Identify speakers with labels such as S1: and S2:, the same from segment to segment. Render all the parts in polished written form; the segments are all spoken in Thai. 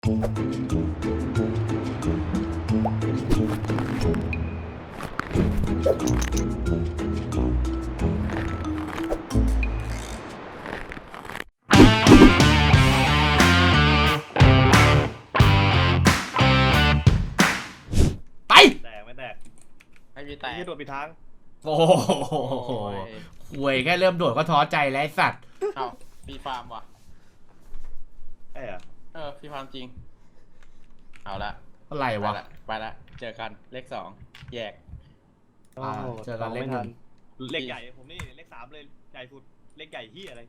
S1: ไป
S2: แตกไม่แตก
S3: ไม่มีแตก
S2: ที่โดดปิดทาง
S1: โอ้โหห่วยแค่เริ่มโดดก็ท้อใจแล้วไอ้สัตว์
S3: เอ้าฟรีฟาร์มว่ะ
S2: ไอ้อะ
S3: ฟรีฟาร์มจริงเอาละ
S1: อะไรวะ
S3: ไปละเจอกันเลข2แยก
S1: เจอกันเลขหนึ่ง
S2: เลขใหญ่ผมนี่เลข3เลยใหญ่สุดเลขใหญ่ที่อะไร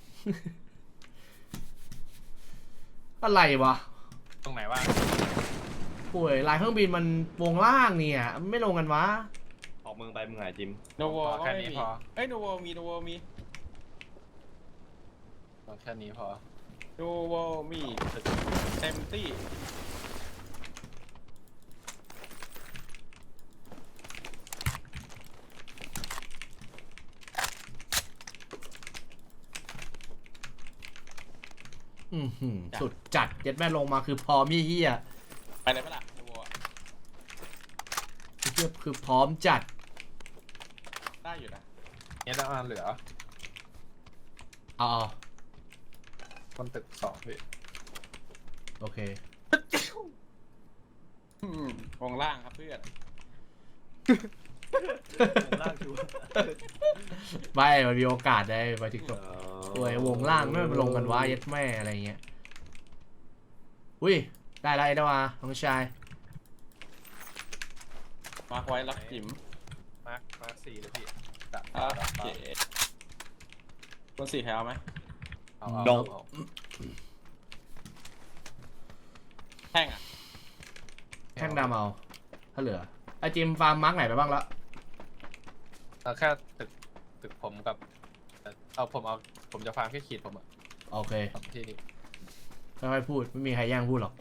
S1: อะไรวะ
S4: ตรงไหนวะ
S1: ห่วยลายเครื่องบินมันวงล่างเนี่ยไม่ลงกันวะ
S2: ออกเมืองไปมึงหาจิม
S3: โนโวก็ไม่มีเอ้ยโนโวมี
S4: แค่นี้พอ
S3: โนโวมีเต็มที่
S1: สุดจัดเย็ดแม่ลงมาคือพร้อมเฮี้ย
S3: ไปเลยปะล่ะโนโว
S1: เฮี้ยคือพร้อมจัด
S3: ได้อยู่นะ
S4: เนี่ยได้เหลือ
S1: เอา
S4: คนตึก2พี่
S1: โอเคว
S3: งล่างครับเพื่อน
S2: วงล่างชัวร์
S1: ไม่มันมีโอกาสได้ไปถึงจบห่วยวงล่างไม่ลงกันวะเย็ดแม่อะไรเงี้ยอุ้ยได้แล้วไอ้ดาวาน้องชาย
S3: มาไว้ล็อกจิ๋ม
S4: มาร์ค4เลยพี่ดับ
S3: โอเคคน4แถวไหม
S4: เอา
S3: แท่งอ่ะ
S1: แท่งดำเอาถ้าเหลือไอจิมฟาร์มมาร์กไหนไปบ้างละ
S4: แค่ตึกผมกับผมจะฟาร์มแค่ขีดผมอะ
S1: โอเค
S4: ที่นี่
S1: ค่อยๆพูดไม่มีใครแย่งพูดหรอก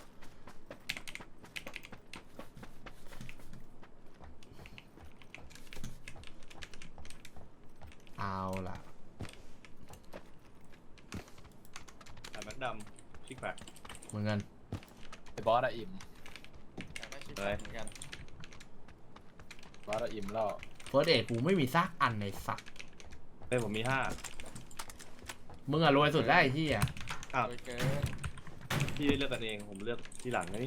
S1: เอาล่ะ
S2: แต่แม็กดำชิคแพค
S1: เหมือนกัน
S4: ไอ้บอสอะอิ่ม
S3: ไม่ชิดเหมือนกัน
S4: บอสอะอิ่มแล้ว
S1: เฟิร์สเอ็ดกูไม่มีซากอันในสัก
S2: เฮ้ยผมมี5
S1: มึงอะรวยสุดได้ที่อ่ะ
S2: อ้าว
S3: โดยเกิน
S2: พี่เลือกกันเองผมเลือกที่หลังนะนี่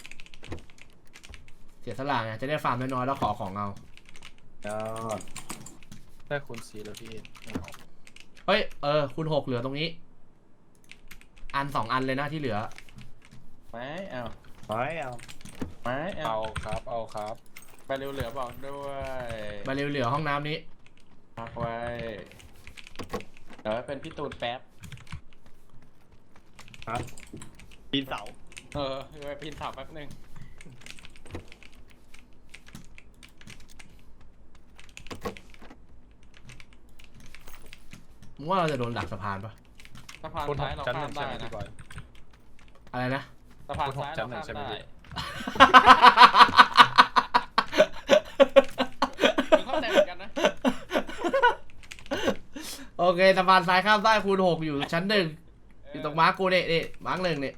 S1: เสียสละไงจะได้ฟาร์มน้อยๆแล้วขอของเอา
S2: ยอด
S4: ได้คูณ4แล้วพี่ไม่เอา
S1: เฮ้ยคูณ 6เหลือตรงนี้อัน2อันเลยนะที่เหลือ
S3: ไม่เอา
S2: ไม่เอา
S3: ไม่เอา
S4: เอาครับ
S3: ไปเร็วเหลือบอกด้วย
S1: มาเร็วเหลือห้องน้ำนี้
S3: พักไว้เดี๋ยวเป็นพี่ตูนแป๊บ
S2: ครับปีนเสา
S3: ไปพินเสาแป๊บนึง
S1: มึงว่าเราจะโดนดักสะพานปะ
S3: สะพาน
S4: คูณ
S3: ซ้ายเรา
S4: ชั้น
S3: ข้า
S4: 1
S3: ม
S4: ใช่
S3: ได้
S4: ไหม
S3: นะ
S4: พี่บอย
S1: อะไรนะ
S3: สะพานซ้าย
S4: ชั้
S3: เรา
S4: น 1ใช่ไหม
S3: ข้ามได้
S4: พี่
S3: มึงเข้าใจเหมือนกันนะ
S1: โอเคสะพานซ้ายข้ามได้คูณ 6อยู่ชั้น 1อยู่ตรงมาร์กกูนี่มาร์ก 1นี่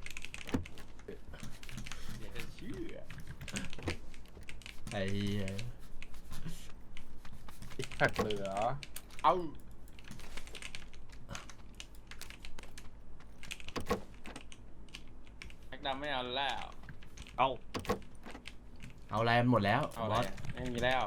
S3: อย่าจะเชื่อ
S1: ไอ้เหี้ย
S4: อีกแพคเหลือ
S3: เอาแม็กดำไม่เอาแล้ว
S2: เอา
S1: เอาอะไรหมดแล้ว
S3: เอา
S1: บ
S3: อะไร
S1: อส
S3: ไม่มีแล้ว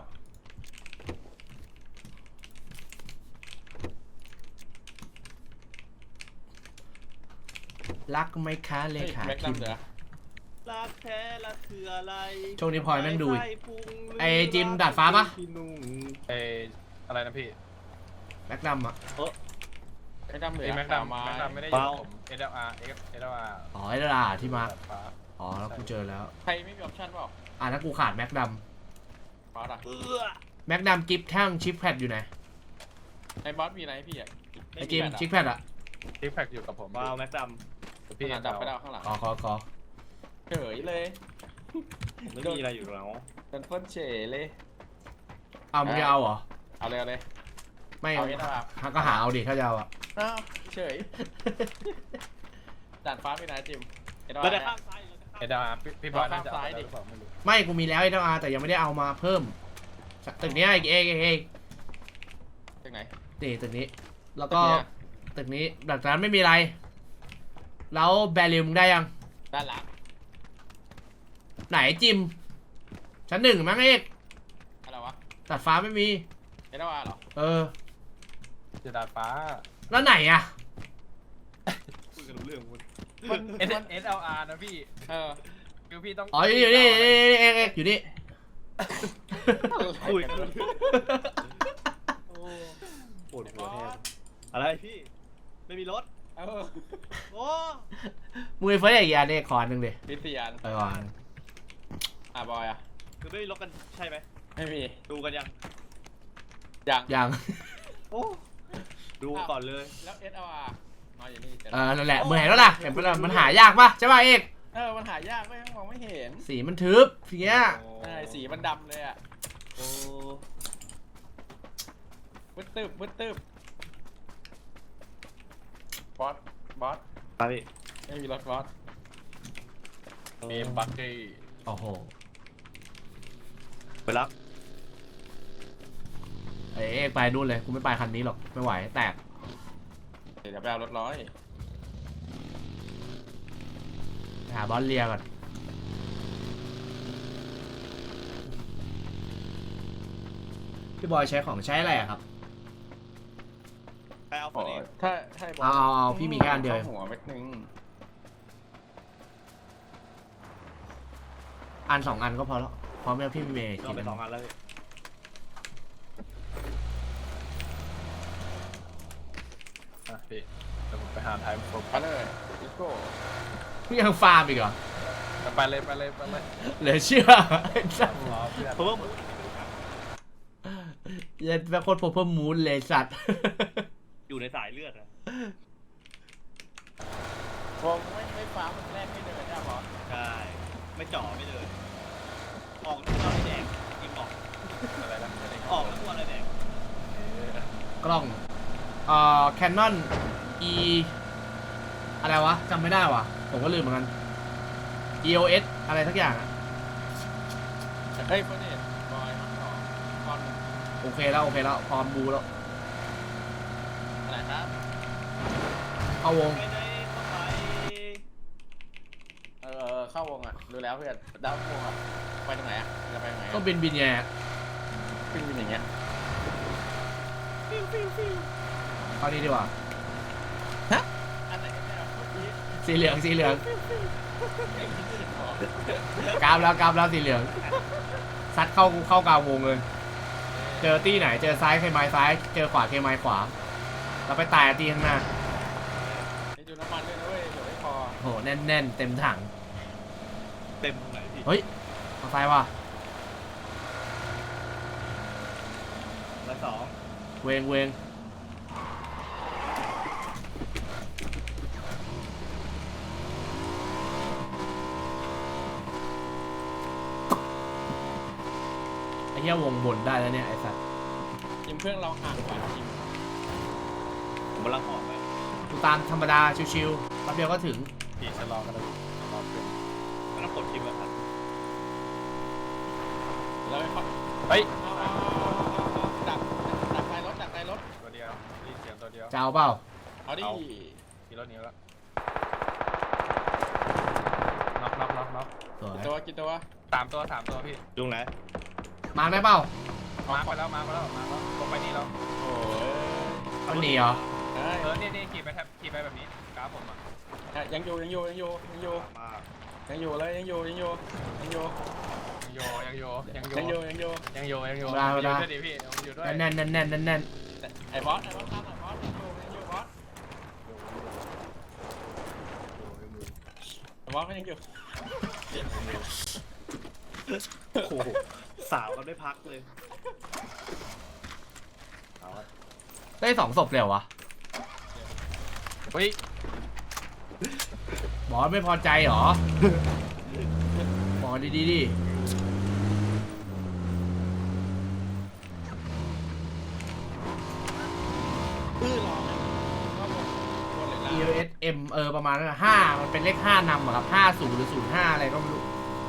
S1: รักไหมคะเล
S3: เฮ้ย
S1: ขา
S3: แม็ก
S1: คิม
S3: ดำเหลือ
S2: รักแท้รักคืออะไร
S1: ช่วงนี้พลอยแม่งดูอีก
S2: ใส่พุง
S1: ไอ้จิมดาดฟ้าปะ
S2: พี่นุ่ง
S4: อะไรนะพี่
S1: แม็กดำอ่ะ
S3: แม็กดำเหลือ
S4: แม็กดำ
S3: ไม้
S4: ไม่ได้อยู่กับผม SLR
S1: อ๋อไอ้ดาราที่มาร์ก
S4: ฟ้า
S1: อ๋อแล้วกูเจอแล้ว
S3: ใครไม่มีออปชั่นเปล่า
S1: ถ้ากูขาดแม็กด
S3: บอสอะ
S1: ำแม็กดำกิฟต์แท่งชิปแพดอยู่ไหน
S3: ไอ้บอสมีอะไรให้พี่อะ
S1: ไอ้จิมชิปแพดอ่ะ
S4: ที่แพคอยู่กับผม
S2: ว้าวแม็กด
S4: พี่
S3: พี่ดับไปแล้วข้างหลัง
S1: ขอ
S3: เฉยเลย
S2: ำไม่มีอะไรอยู่แล้ว
S3: เป็นเฟิร์นเฉยเลย
S1: เอามึงจะเอาเหรอ
S3: เอาเลยเอาเลย
S1: ไม่
S3: เอาเอสอาร์
S1: ก็หาเอาดิถ้าจะเอาอ่ะ
S3: อ้าวเฉยด่านฟ้าไปไหนจิมเอ็ด
S2: เราจะ
S3: อาร์
S2: ข้ามซ้ายหรือ
S4: SLR พี่บอยน่าจะเอาไปแล้วหรือเปล่าไม่รู้
S1: ไม่กูมีแล้วไอ้เจ้าอาแต่ยังไม่ได้เอามาเพิ่มตึกเนี้ยเอก
S3: จากไหน
S1: นี่ตึกนี้ แล้วก็
S3: ตึกเนี้ย
S1: ตึกนี้หลังจากนั้นไม่มีอะไร แล้วแบริลมึงได้ยัง
S3: ด้านหลัง
S1: ไหนจิมชั้นหนึ่งมั้งเอก
S3: อะไรวะ
S1: ตัดฟ้าไม่มี
S3: เอเดวาเหรอ
S1: เออ
S4: จะดาดฟ้า
S1: แล้วไหนอะ
S2: คุยกันรู้เรื่องหมด
S3: มัน
S4: SLR นะพี่
S3: เออ
S4: คือพี่ต้อง
S1: อ๋ออยู่นี่เอกอยู่นี่
S2: คุยกันรู้เรื่องปวดหัวแทนอะไรพี่ไม่มีรถ
S3: เออ
S2: โอ้
S1: มึงไปเฟิร์สอีกอันเอกขออันหนึ่งดิ
S3: พิเศษ
S1: ไปก่อน
S3: บอยอ่ะ
S2: คือไม่มีรถกันใช่ไหม
S3: ไม่มี
S2: ดูกันยัง
S3: ยัง
S1: ยัง
S2: โอ้ดูก่อนเลย
S3: แล้ว SLR มาอยู่นี่เจอ
S1: นั่นแหละมึงเห็นแล้วล่ะเห็นปะล่ะมันหายากปะใช่ป่ะเอก
S3: มันหายากไม่มองไม่เห็น
S1: สีมันทึบทีเงี้ย
S3: ใช่สีมันดำเลยอ่ะ
S2: โอ้
S3: มืดตึบบอส
S2: ไปพี่
S3: ไม่มีรถบอส
S4: เอมบักกี้
S1: โอ้โห
S2: ไปรับ
S1: เอกไปนู่นเลยกูไม่ไปคันนี้หรอกไม่ไหวแตก
S3: เดี๋ยวไปเอารถร้อย
S1: ไปหาบอลเลียก่อนพี่บอยใช้ของใช้อะไรอะครับ
S2: ไปเอาคนนี้
S3: ถ้าให้บอส
S1: เอาพี่มีแค่อันเดียว
S3: หัวเม็ดนึง
S1: อันสองอันก็พอแล้วพร้อมแล้วพี่มีเมย์
S2: เราไป2 อันแล้วพี่
S4: อ่ะพี่เดี๋ยวผมไปหาไทม์โฟม
S3: ไปเลยลิโก้
S1: พี่ยังฟาร์มอีกเหรอ
S4: ไปเลย
S1: เหลือเชื่อไอ้สัตว์
S4: รอเพื่อน
S2: เพราะว่า
S1: เย็นแบบโคตรเพิ่มมูนเลยสัตว์
S2: อยู่ในสายเลือดอะ
S3: วงไม่ฟ้ามันแรกไม่เดินนะบอส
S2: ใช่ไม่จ่อไม่เลยออกตัวอะไรแดงกินออก
S4: อะไรนะไม่ได้
S2: ออกตัวอะไรแดง
S1: กล้องCanon E อะไรวะจำไม่ได้วะผมก็ลืมเหมือนกัน EOS อะไรทักอย่างอะ
S3: เฮ้ยเฟอร์เนตบอยมาต่อคอน
S1: โอเคแล้วพร้อมบูแล้ว
S3: อะไรครับ
S1: เอาวง
S2: ไปไหนก็ไป
S3: เข้าวงอ่ะดูแล้วเพื่อนดาววงอ่ะไปตรงไหนอ่ะจะไปตรงไหน
S1: ก็บินแย่
S3: ขึ้นบินอย่างเงี้ย
S1: เอานี้ดีกว่า
S3: อันไหนกันเนี่ยเมื่อกี้
S1: สีเหลืองกราฟแล้วสีเหลืองซัดเข้ากลางวงเลย เจอตี้ไหนเจอซ้ายเคไม้ซ้ายเจอขวาเคไม้ขวาแล้วไปตายตีข้างหน้า
S3: ไอ้ดูน้ำมันด้วยนะเว้ยเดี๋ยวไม่พอ
S1: โหแน่นเต็มถัง
S2: เต็มตรงไหนพี่
S1: เฮ้ยเอาไฟว่ะ
S2: ละสอง
S1: เวงไอ้เหี้ยวงบนได้แล้วเนี่ยไอ้สัตว์
S3: จิมเพื่อนเราห่างกว่าจิม
S2: ผมกำลังออกไป
S1: กูตามธรรมดาชิวๆแป๊บเดียวก็ถึง
S4: พี่ชะลอกันเลยรอเพื่อน
S2: กำลังกดคลิปแบบนั้น
S3: แล้วไม่พอ
S4: เฮ้ย
S3: ดักไฟรถ
S4: ตัวเดียวรีเสียงตัวเดียว
S1: จะเอาเปล่า
S3: เอาดิ
S4: ขี่รถนี้แล้วน็อก
S1: สวย
S3: กี่ตัว
S4: สามตัวพี่
S2: ยุงไหน
S1: มาได้เปล่า
S4: มาไปแล้วลงไปนี่แล้ว
S3: โอ้ย
S1: มันหนีเหรอ
S4: นี่ขี่ไปแบบนี้กราฟผมอ่ะ
S3: ยังอยู่
S2: มาก
S3: ยังอยู่เลยยังอยู่
S4: ยังโยเดี๋ยวดิพี่อยู่ด้วย
S1: แน่น
S3: ไอ้บอสตามไอ้บอสยังอยู่บอสไอ้บอสก็ยังอยู่
S2: โอ้โหสาวกันไม่พักเลย
S1: ได้2 ศพเลยเหรอวะ
S4: เฮ้ย
S1: บอสไม่พอใจเหรอบอกดีดิ
S3: รอเข้าวง
S1: EOS M ประมาณนั้นอะ5มันเป็นเลข5นำอะครับ50หรือ05อะไรก็ไม่รู้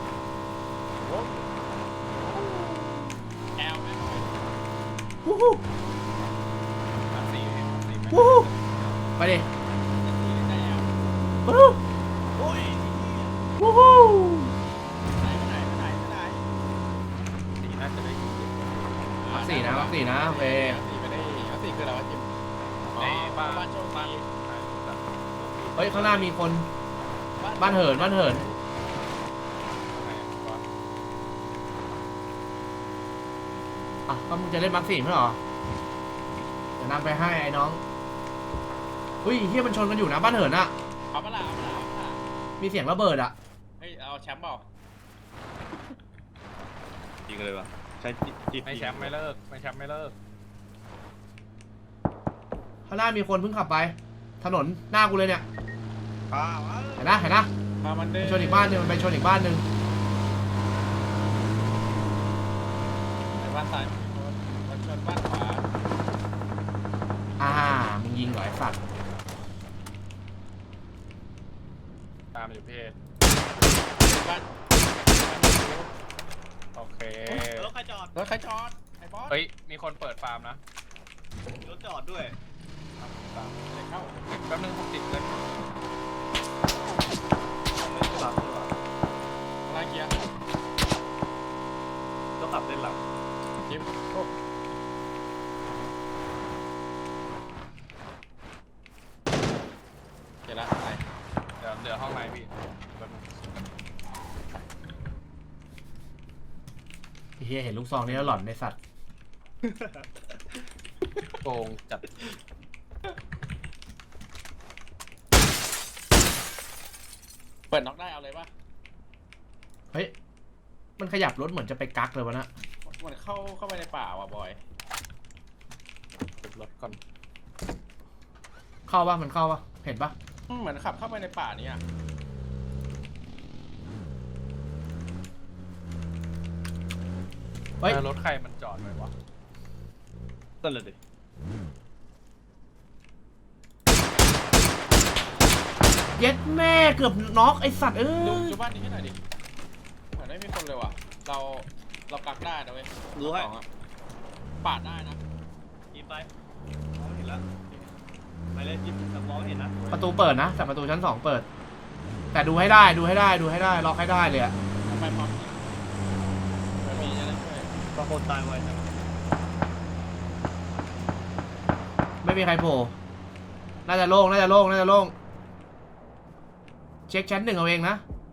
S3: แอลไหม
S1: วู้ฮู้
S4: มาสี่ไหม
S1: วู้ฮู้ไปดิ
S3: ได้แอล
S1: วู้ฮู้
S2: โอ้ย
S1: วู้ฮู้
S3: ไหน
S4: สี่น่าจะได้ยิน
S1: มักสี่นะมักสี่นะโอเค
S3: สี่ไปได้สี่คืออะไรวะจิม
S4: ในบ้าน
S3: บ้านโชคดี
S1: เฮ้ยข้างหน้ามีคนบ้านเหินอ่ะก็มึงจะเล่นมักสี่ไม่เหรอเดี๋ยวนำไปให้ไอ้น้องอุ้ยเฮียมันชนกันอยู่นะบ้านเหินอะ
S3: เอาเปล่า
S1: มีเสียงระเบิดอะ
S3: เฮ้ยเอาแชมป์เปล่า
S2: จริงเลยวะใช้จี
S4: ไม่แชมป์ไม่เลิกไม่แชมป์ไม่เลิก
S1: ข้างหน้ามีคนเพิ่งขับไป ถนนหน้ากูเลยเนี่ย
S2: อ้าว
S1: เห็นนะ
S3: มามัน
S1: ไป
S3: เด้
S1: ชนอีกบ้านหนึงมันไปชนอีกบ้านหนึง
S3: ในบ้านซ้ายมันชนบ้านขวา
S1: มึงยิงเหรอไอ้สัตว์
S4: ตามอยู่เพศ
S3: บ้าน
S4: โอเค
S2: รถใครจอด
S3: รถใครจอดไอ้บอส
S4: เฮ้ยมีคนเปิดฟาร์มนะ
S2: รถจอดด้วย
S4: ตาม
S3: เข้า
S4: แป๊บนึงผมติดเลย
S2: ไม่ใช่หลังด้วย
S3: ไล่เกียร์
S2: ต้องขับเล่นหลัง
S3: จิม เดี๋ยวละไป
S4: เดี๋ยวเหลือห้องในพี่แป๊บนึง
S1: ไอ้เฮียเห็นลูกซองนี่แล้วหลอนในสัตว์
S4: โกงจัด
S3: เปิดน็อกได้เอาเลยป่ะ
S1: เฮ้ยมันขยับรถเหมือนจะไปกักเลยวะนะ
S3: เหมือนเข้าไปในป่าว่ะบอย
S4: เก็บรถก่อน
S1: เข้าปะมันเข้าปะเห็นปะ
S3: เหมือนขับเข้าไปในป่านี้อ่ะ
S1: เฮ้ย
S4: รถใครมันจอดไว้วะ
S2: ต้นเลยดิ
S1: เย็ดแม่เกือบน็อกไอสัตว์เอ้
S3: ดู
S1: ย
S3: บ้านนี้ให้หน่อยดิเหมือนไม่มีคนเลยว่ะเรากักได้นะเว้ย
S2: รู้ให้
S3: ของอะปาดได้นะ
S2: ยิงไปมองไม่เห็นแล้วไปเลยยิงแต่มองไม่เห็นนะ
S1: ประตูเปิดนะแต่ประตูชั้น2เปิด แต่ดูให้ได้ล็อกให้ได้เลยอะ
S3: ทำไมพร้อมยิงมันมีจะได้ช่วย
S2: บางคนตายไวจัง
S1: ไม่มีใครโผล่น่าจะโล่งเช็คชั้น1เอาเองนะ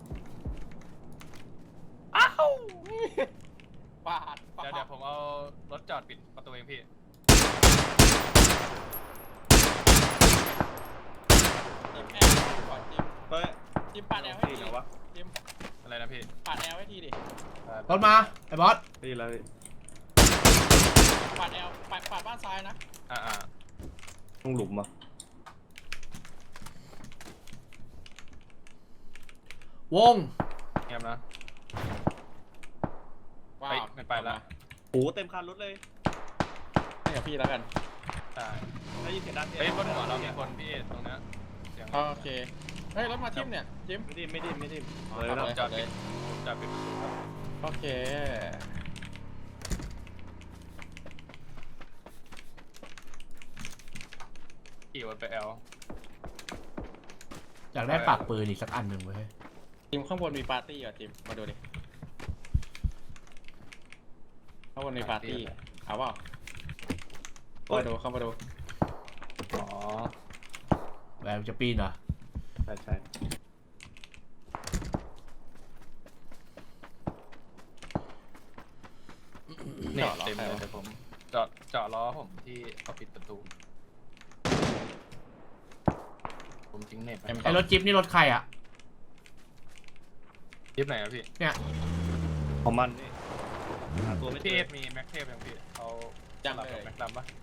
S3: ปาด
S4: เดี๋ยวผมเอารถจอดปิดประตูเองพี่
S3: จิมแอลก่อนจิม
S2: เฮ้ย
S3: จิมปาดแอลให้
S2: ดี
S3: ที
S2: นะวะ
S3: จิม
S4: อะไรนะพี่
S3: ปาดแอลให้ทีดิ
S1: รถมาไอ้บอส
S2: ดีแล้ว
S3: ปาดแอลปาดบ้านซ้ายนะ
S4: อ่า
S2: ต้องหลุมอ่ะ
S1: วง
S4: เงียบนะ
S3: ว้า
S4: เฮ้ยว ไม่ไปละ
S2: โอ้เต็มคันรถเลย
S3: ให้กับพี่แล้วกัน
S4: ใช่
S2: ได้ยินเสียงดัง
S4: เฮ้ยบนหัวเรามีคนพี่ตรงนี้เสียง
S3: โอเคเฮ้ยรถมาทิมเนี่ยจิม
S2: ไม่ดิ้นเลย
S3: ขับ
S2: แล้ว
S3: เลย
S4: จอดปิดจอดปิดประตูครับ
S3: โอเค
S4: ขี่วนไปแอล
S1: อยากได้ปากปืนอีกสักอันหนึ่งเว้ย
S3: จิมข้างบนมีปาร์ตี้เหรอจิมมาดูดิข้างบนมีปาร์ตี้เอาเปล่าเข้ามาดู
S4: อ๋อ
S1: แบบจะปีนเหรอ
S2: ใช่
S4: เนี่ยเต็มเลยแต่ผมเจาะล้อผมที่เขาปิดประตูผมทิ้งเน็ตไป
S1: ไอ้รถจิ๊บนี่รถใครอะ
S4: ยิบไหนอะพี่
S2: ของมันนี่หาตัวไม่เจ
S4: พี่
S2: อ
S4: เอฟมีแม็กเทปยังพี่เอา
S3: ยัง
S4: หลับ
S3: เล
S4: กับ
S3: ย
S4: แม็กดำปะ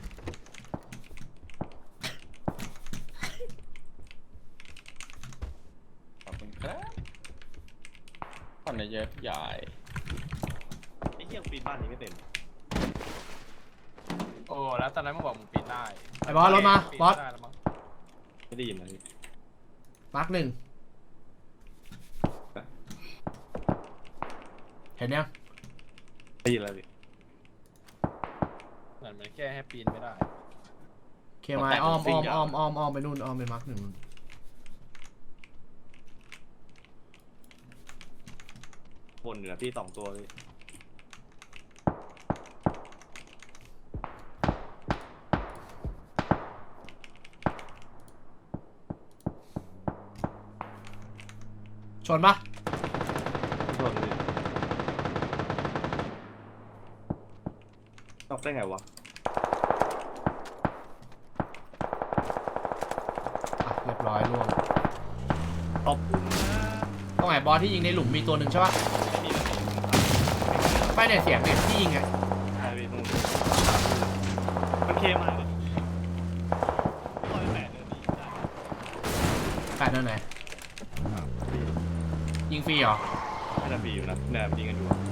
S3: ขอบคุณครับผ่อนเยอะใหญ่
S2: ไอ้เหี้ยปีนบ้านนี้ไม่เต็ม
S4: โอ้แล้วตอนนั้นมึงบอกมึงปีนได้
S1: ไอ้บอสรถมา
S4: ปีน
S1: บอส
S4: ได้แล้วมั้ง
S2: ไม่ได้ยินเลย
S1: มาร์คหนึ่งเห็นยัง
S5: ได้ยินแล้วพี่
S4: เหมือนมันแค่ให้ปีนไม่ได้
S1: เคมายอ้อมไปนู่นอ้อมไปมาร์คหนึ่งนู่น
S5: บนเหนือพี่2 ตัวพี่
S1: ชนปะ
S5: บนพี่นอกได้ไงวะ
S1: อ่ะเรียบร้อยล่วง
S5: ขอบคุณนะ
S1: ตรงไหนบอสที่ยิงในหลุมมีตัวหนึ่งใช่ปะ
S5: ไม่มีมัน
S1: ไม่เนี่ยเสียงเนี่ยที่ยิงไง
S5: ใช่พี่นู่นมันเคมาเลย108เดือนนี้ได้
S1: แปดนั่นไหน
S5: พี่
S1: ยิงฟรีเหรอ
S5: น่าจะมีอยู่นะเนี่ยยิงกันอยู่อะ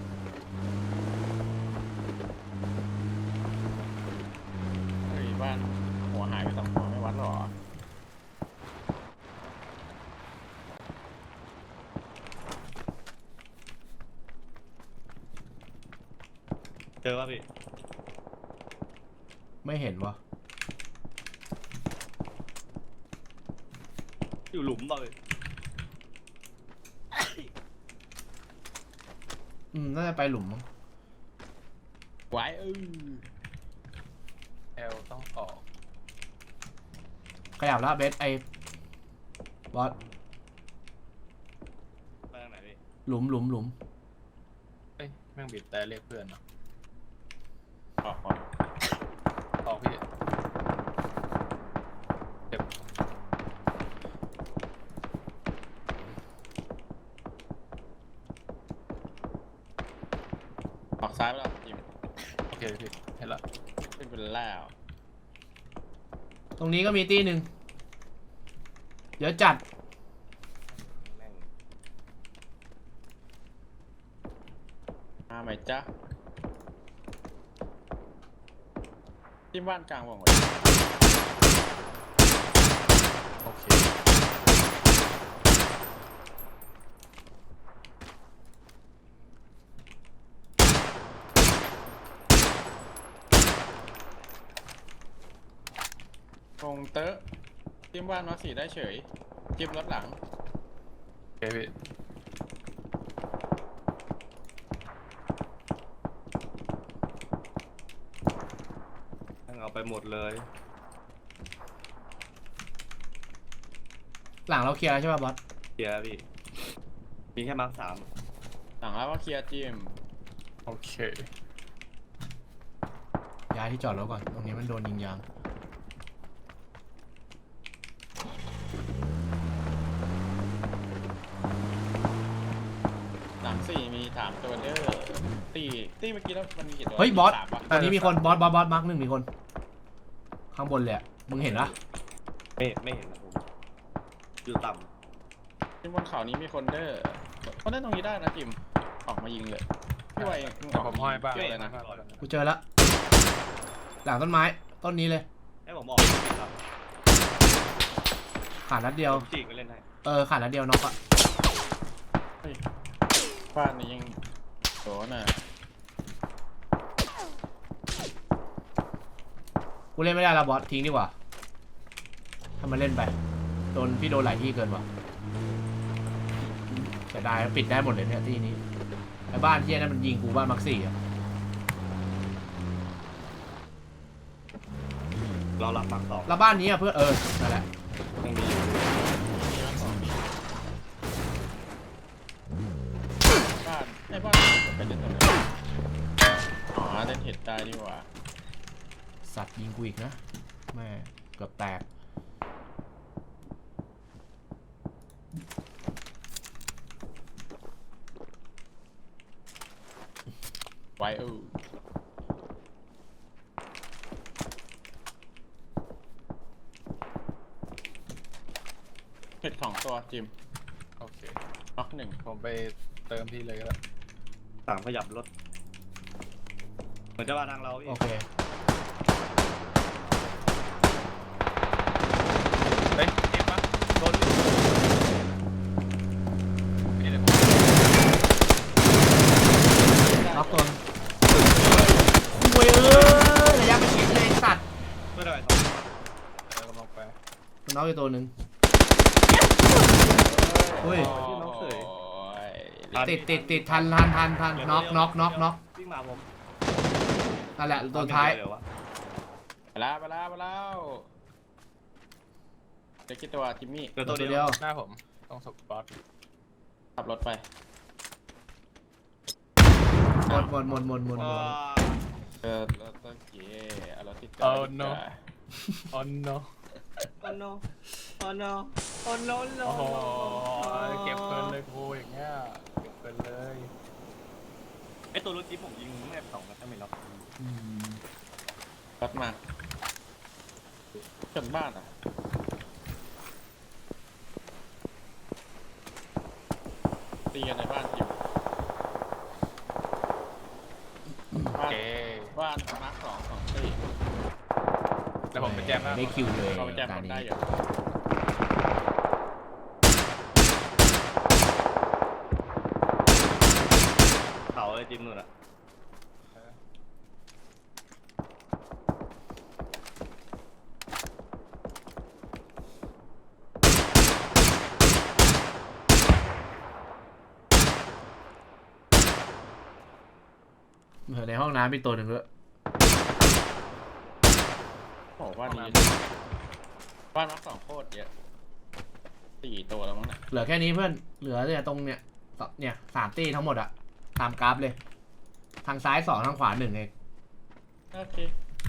S3: เฮ้ยบ้านหัวหายไป2 หัวไม่วัดหรอ
S5: เจอป่ะพี่
S1: ไม่เห็นวะ
S5: อยู่หลุมป่ะพี่
S1: น่าจะไปหลุมมั้ง
S3: ไว้
S4: แอลต้องออก
S1: ขยับแล้วเบสไอ้บอส
S5: ไปทางไหนพี่
S1: หลุม
S4: เอ้ยแม่งบีบแต่เรียกเพื่อนเนาะ
S3: ออกก่อน
S4: ออกพี่เจ็บ
S3: ออกซ้ายไปแล้วจิม
S4: โอเคพี่เห็นละ
S3: ขึ้นไปแล้ว
S1: ตรงนี้ก็มีตีหนึ่งเดี๋ยวจัด
S5: แม่ง
S3: มาไหมจ๊ะที่บ้านกลางวงไว้
S4: โอเค
S3: วงเตอะจิ้มบ้านมาสีได้เฉยจิ้มรถหลัง
S4: โอเคพี่
S5: แม่งเอาไปหมดเลย
S1: หลังเราเคลียร์แล้วใช่ป่ะบอส
S5: เคลียร์พี่มีแค่มาร์ค
S3: หลังแล้วว่าเคลียร์จิม
S4: โอเค
S1: ย้ายที่จอดรถก่อนตรงนี้มันโดนยิงยาง
S3: หลัง4มี3ตัวเด้อตีเมื่อกี้แล้วมันมีกี่ตัว
S1: เฮ้ยบอส
S3: 3ปะ
S1: ตอนนี้มีคนบอสมาร์คหนึ่งมีคน ข้างบนเลยอะมึงเห็นปะ
S5: 3ไม่เห็นนะผมอยู่ต่
S3: จิ้มบนเขานี้มีคนเด้อเขาเล่นตรงนี้ได้นะจิมออกมายิงเลยพี่ไว
S4: แต่ผมห้อยบ้าง
S3: เยอะเลยนะ
S1: กูเจอละหลังต้นไม้ต้นนี้เลย
S5: ำให้ผมออกครับ
S1: ขาดนัดเดียว
S5: ผมจีกไปเล่นให้
S1: ขาดนัดเดียวน็อกอะ
S3: บ้านนี้ยังโดนน่ะ
S1: กูเล่นไม่ได้แล้วบอสทิ้งดีกว่าถ้ามาเล่นไปพี่โดนหลายที่เกินว่ะแต่ได้ปิดได้หมดเลยเนี่ยที่นี้ไอ้บ้านที่นั่นมันยิงกูบ้านมักซี่อะ
S5: เราหลับมาร์ค 2
S1: แล้วบ้านนี้อะเพื่อนนั่นแหละ
S5: ยังมีอยู่
S3: บ้านไอ้บ้านไปเล่นตรงไหนอ๋อเล่นเห็ดได้ดีกว่า
S1: สัตว์ยิงกูอีกนะแม่เกือบแตก
S3: ไว้เห็ด2 ตัวจิม
S4: โอเค
S3: น็อก1
S4: ผมไปเติมพี่เลยก็ได้
S5: ต่างขยับรถเหมือนจะมาทางเราพี่
S1: โอเค
S4: เฮ้ยเจ็บปะ
S5: โดน
S1: น็อกอีกตัวหนึ่งอุ้ย
S3: ที่น้องเสย
S1: ติดทันน็อก
S2: วิ่งมาผม
S1: นั่นแหละตัวท้าย
S2: เดี๋ววะ
S3: ไปแล้วเดี๋ยวคิดตัวจิมมี่
S2: เดี๋ยว
S1: ตั
S2: ตัว ว
S1: เดี
S2: เดี
S1: ย
S2: ยว ว
S4: หน้าผมตรงศพบอส
S3: ขับรถไป
S1: หมด
S3: รถต้นเก๋เอารถติด
S4: โอ้ no โอ้ no
S2: โอ้ no โอ้ no โอ้ no
S4: โอ้โหเก็บเพลินเลยกูอย่างเงี้ยเก็บเพลินเลย
S2: ไอตัวรถจิ๊บผมยิงแม่2นัดไม่ล็อก
S3: รถมาจนบ้านอ่ะตีกันในบ้านอยู่
S4: โอ
S3: บ้าน
S4: เค
S3: บ้านมาร์คสองตี
S4: แล้วผมไปแจมหน้า
S1: ได้คิวเลย
S3: เราไปแจม
S1: ตา
S3: คน
S1: นี้
S3: ได้อยู่
S2: เขาเลยจิ๊บนู่นอะ
S1: ในห้องน้ำมีตัวหนึ่งด้วย
S3: โอ้บ้านนี้บ้านมาร์ค2โคตรเยอะ4ตัวแล้วมั้งเนี่ย
S1: เหลือแค่นี้เพื่อนเหลือเนี่ยตรงเนี่ย3 ตีทั้งหมดอะตามกราฟเลย ทางซ้าย2ทางขวา1เอง
S3: โอเค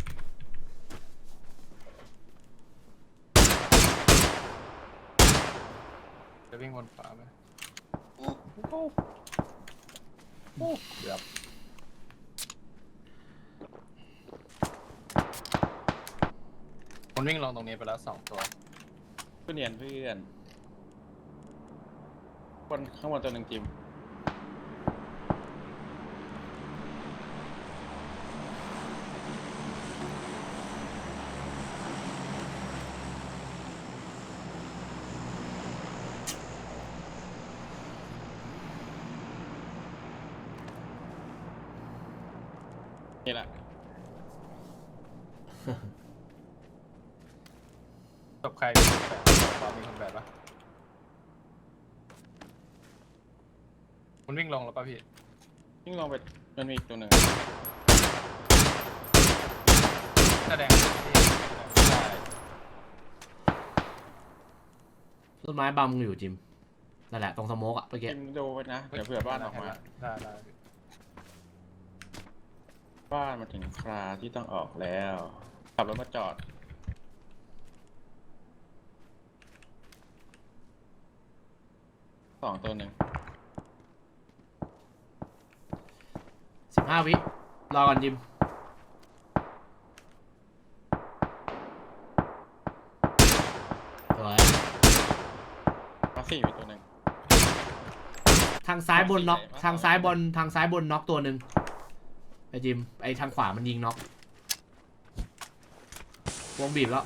S4: จะวิ่งวนขวาไหมเกือบมันวิ่งลงตรงนี้ไปแล้ว2 ตัว
S3: เพื่อนบนข้างบนตัวหนึ่งจิมนี่แหละ
S4: จบใครมีคนแบบบอสมีคนแบบปะมันวิ่งลงแล้วป่ะพี่
S3: ยิ่งลงไปมันมีอีกตัวหนึ่ง
S4: แสดงที่
S3: ใช่
S1: ต้นไม้บังอยู่จิมนั่นแหละตรงสโมกอะเมื่อกี้
S3: จิมดูไปนะเดี๋ยวเผื่อบ้านออกมา
S4: ได้
S3: บ้านมาถึงคราที่ต้องออกแล้วขับรถมาจอด2ตัวหนึ่ง
S1: 15 วิรอก่อนจิมสวย
S3: มา4มีตัวหนึ่ง
S1: ทางซ้ายบนน็อกทางซ้ายบนน็อกตัวหนึ่งไอจิมไอทางขวามันยิงน็อกวงบีบแล้ว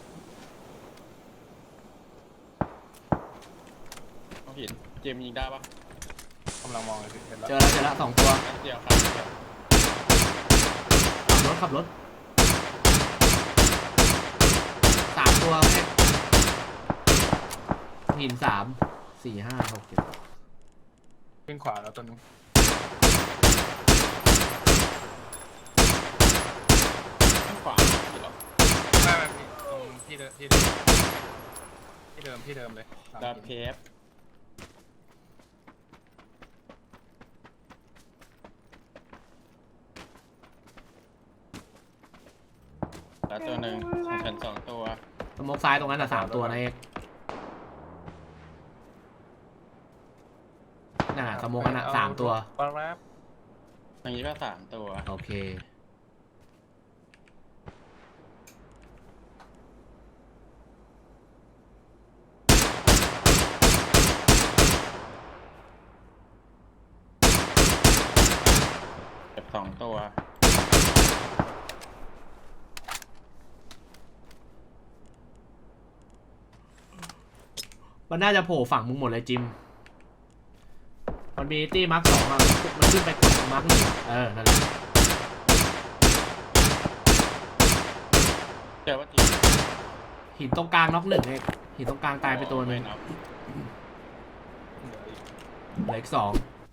S3: ต้องเห็นเจมยิงได้ปะ
S4: กำลังมองเลยพี่เห็นแล้ว
S1: เจอแล้ว2 ตัว
S3: นัดเดียวครับเดียว
S1: ขับรถ3 ตัวแค่หิน3 4 5 6 7
S4: วิ่งขวาแล้วตัวนึง
S3: ข้างขวาผิดหรอ
S4: ไม่พี่ตรงที่เดิมเลย
S3: ดาเพฟแล้วตัวหนึ่งของฉัน2 ตัว
S1: สโมกซ้ายตรงนั้น3 ตัวนะเอกน่ะสโมกกัน3 ตัว
S4: ปลาแรบ
S3: อย่างนี้ก็3 ตัว
S1: โอเค
S3: เก็บ2 ตัว
S1: มันน่าจะโผล่ฝั่งมึงหมดเลยจิม มันมีตี้มาร์ค2อะมันขึ้นไปกดตรงมาร์ค1นั่นแหละ
S3: เจอว่าจริง
S1: หินตรงกลางน็อกหนึ่งเองหินตรงกลางตายไปตัวหนึง
S3: ม่นับ
S1: เหลืออีกสอง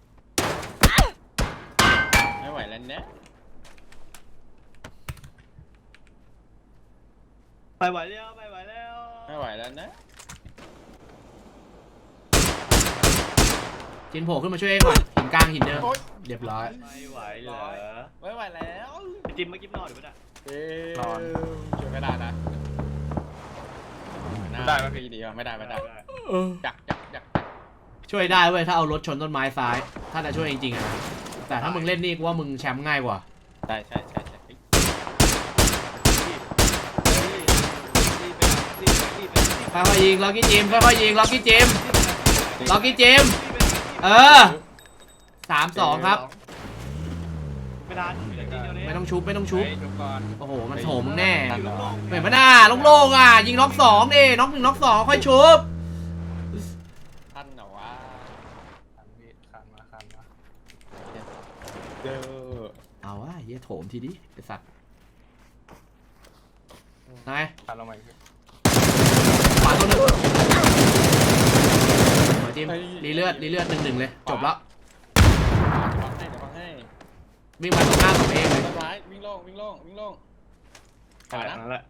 S3: ไม่ไหวแล้วเนี่ย
S2: ไปไหวแล้วไปไหวแล้ว
S3: ไม่ไหวแล้วนะ
S1: จินโผล่ขึ้นมาช่วยเองก่อนหินกลางหินเดิม
S3: โอ๊ย
S1: เรียบร้อย
S2: ไม่ไหวเหรอ
S3: ไม่ไหวแล้ว
S2: ไอ้จิมเมื่อกี้นอนอยู่ปะเนี่ย
S3: นอนช่วยไม่ได้นะ
S4: ได้ไหมพี่
S3: ดีว่ะไม่ได้ไม่ได้
S1: เออ
S3: จัก
S1: ช่วยได้เว้ยถ้าเอารถชนต้นไม้ซ้าย ถ้าจะช่วยจริงๆอะนะแต่ถ้ามึงเล่นนี่กูว่ามึงแชมป์ง่ายกว่า
S3: ใช่เฮ้ย
S2: รีบไปรีบไป
S1: ค่อยๆยิงล็อกกี้จิมค่อยๆยิงล็อกกี้จิมล็อกกี้จิมเออ3-2ครับ
S2: ไม่ทันเหลือทีเดียวนี้
S1: ไม่ต้องชุบไม่ต้องชุบ
S4: เฮ้ยชุบก่อน
S1: โอ้โหมันโถมมึงแน่
S2: อยู่โล่งๆ
S1: เห็นปะหน้าโล่งๆอ่ะยิงน็อกสองดิน็อก1น็อก2ค่อยชุบ
S3: ท่านเหรอวะ
S4: คันพี่คันมา
S3: เด้อ
S1: เอาวะเหี้ยโถมทีดิไอสัตว์ไง
S4: คันลงมาอีกพี่
S1: ขวาตัวหนึงหัวจิมรีเลือด1-1เลยจบแล้ว
S3: เดี๋ยวฟังให้
S1: วิ่งมาตรงหน้าผมเองเลย
S3: ต้นไม้วิ่งโล่ง
S5: ใช่นั่นแหละ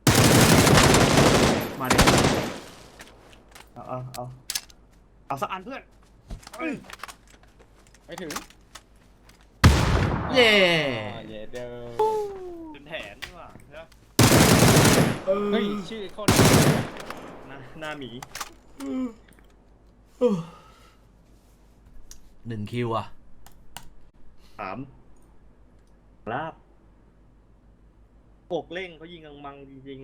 S1: มาดิ
S5: เอาสักอันเพื่อน
S3: ไม่ถึง
S1: เย่
S3: เย่เด้อ
S2: จนแถนนี่หว่าใช่ปะ
S3: เฮ้ยชื่อโคตร
S5: หน้าหมี
S1: 1คิวอ่ะ
S5: 3 ลาบอกเร่งเขายิงกังมังจริง